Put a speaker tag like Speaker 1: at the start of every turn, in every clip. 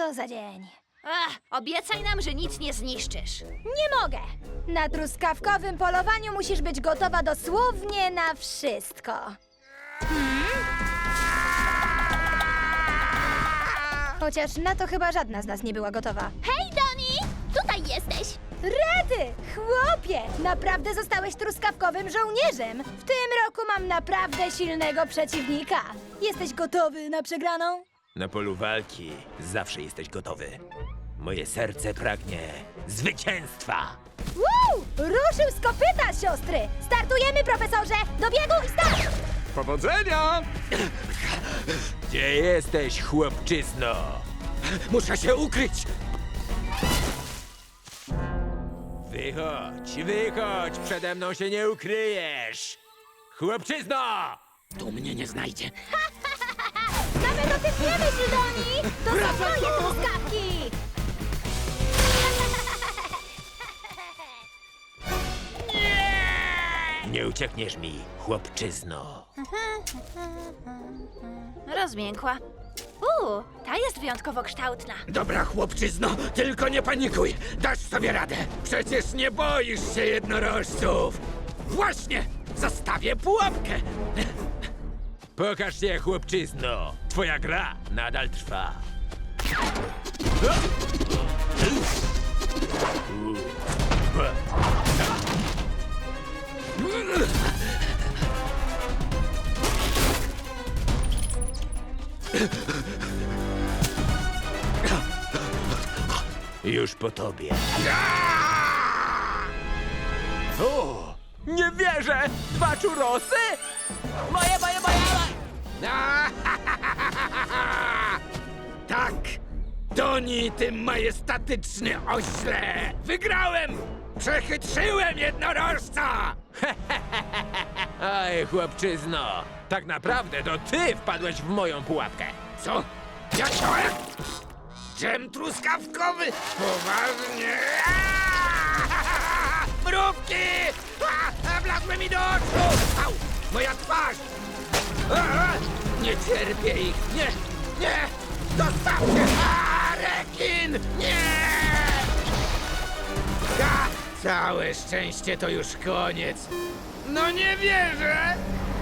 Speaker 1: Co za dzień.
Speaker 2: Ach, obiecaj nam, że nic nie zniszczysz.
Speaker 1: Nie mogę! Na truskawkowym polowaniu musisz być gotowa dosłownie na wszystko. Chociaż na to chyba żadna z nas nie była gotowa.
Speaker 2: Hej, Doni! Tutaj jesteś!
Speaker 1: Rety! Chłopie! Naprawdę zostałeś truskawkowym żołnierzem! W tym roku mam naprawdę silnego przeciwnika. Jesteś gotowy na przegraną?
Speaker 3: Na polu walki zawsze jesteś gotowy. Moje serce pragnie zwycięstwa.
Speaker 1: Woo! Ruszył z kopyta, siostry! Startujemy, profesorze! Do biegu i start!
Speaker 4: Powodzenia!
Speaker 3: Gdzie jesteś, chłopczyzno?
Speaker 4: Muszę się ukryć!
Speaker 3: Wychodź, wychodź, przede mną się nie ukryjesz! Chłopczyzno!
Speaker 4: Tu mnie nie znajdzie.
Speaker 1: Nawet o tym nie myśl, Doni! To są moje truskawki!
Speaker 3: Nie uciekniesz mi, chłopczyzno.
Speaker 2: Rozmiękła. Ta jest wyjątkowo kształtna.
Speaker 4: Dobra, chłopczyzno, tylko nie panikuj. Dasz sobie radę. Przecież nie boisz się jednorożców. Właśnie, zastawię pułapkę.
Speaker 3: Pokaż się, chłopczyzno. Twoja gra nadal trwa. Już po tobie. O! Nie wierzę! 2 czurosy? Moje!
Speaker 4: Tak, Doni, ty majestatyczny ośle. Wygrałem! Przechytrzyłem jednorożca!
Speaker 3: Aj, chłopczyzno! Tak naprawdę to ty wpadłeś w moją pułapkę.
Speaker 4: Co? Ja chciałem? Dżem truskawkowy? Poważnie? Mrówki! Wlazły mi do oczu! Au! Moja twarz! Nie cierpię ich! Nie! Dostawcie! Rekin! Nie! Całe szczęście to już koniec. No nie wierzę!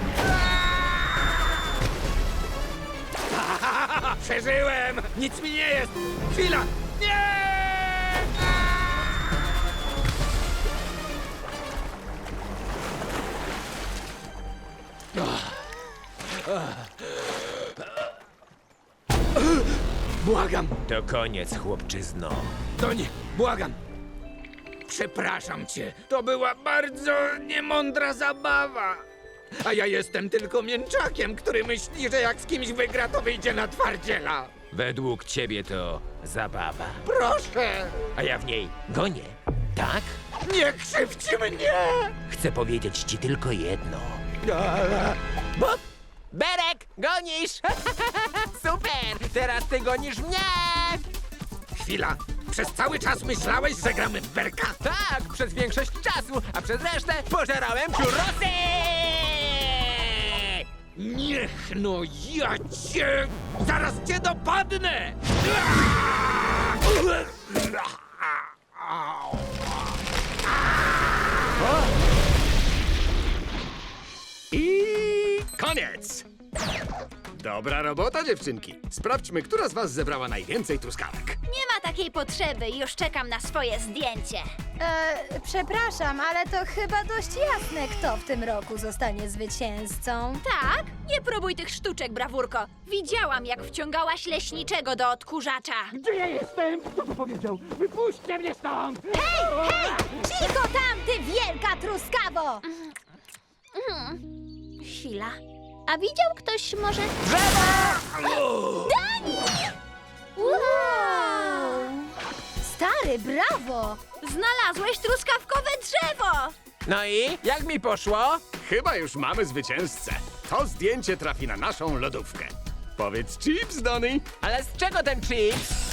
Speaker 4: Przeżyłem! Nic mi nie jest! Chwila! Nie! Błagam!
Speaker 3: To koniec, chłopczyzno.
Speaker 4: Doni, błagam! Przepraszam cię. To była bardzo niemądra zabawa. A ja jestem tylko mięczakiem, który myśli, że jak z kimś wygra, to wyjdzie na twardziela.
Speaker 3: Według ciebie to zabawa.
Speaker 4: Proszę!
Speaker 3: A ja w niej gonię, tak?
Speaker 4: Nie krzywdź mnie!
Speaker 3: Chcę powiedzieć ci tylko jedno. Bo... Berek, gonisz! Super! Teraz ty gonisz mnie!
Speaker 4: Chwila. Przez cały czas myślałeś, że gramy w berka?
Speaker 3: Tak, przez większość czasu, a przez resztę pożerałem czurosy!
Speaker 4: Niech no ja cię... Zaraz cię dopadnę!
Speaker 5: I koniec! Dobra robota, dziewczynki. Sprawdźmy, która z was zebrała najwięcej truskawek.
Speaker 2: Nie ma takiej potrzeby, już czekam na swoje zdjęcie.
Speaker 1: Przepraszam, ale to chyba dość jasne, kto w tym roku zostanie zwycięzcą.
Speaker 2: Tak? Nie próbuj tych sztuczek, brawurko. Widziałam, jak wciągałaś leśniczego do odkurzacza.
Speaker 4: Gdzie ja jestem? Kto to powiedział? Wypuśćcie mnie stąd!
Speaker 1: Cicho tam, ty wielka truskawo!
Speaker 2: Chwila. A widział ktoś może...
Speaker 1: Wow! Stary, brawo!
Speaker 2: Znalazłeś truskawkowe drzewo!
Speaker 3: No i jak mi poszło?
Speaker 5: Chyba już mamy zwycięzcę. To zdjęcie trafi na naszą lodówkę. Powiedz chips, Donny.
Speaker 3: Ale z czego ten chips?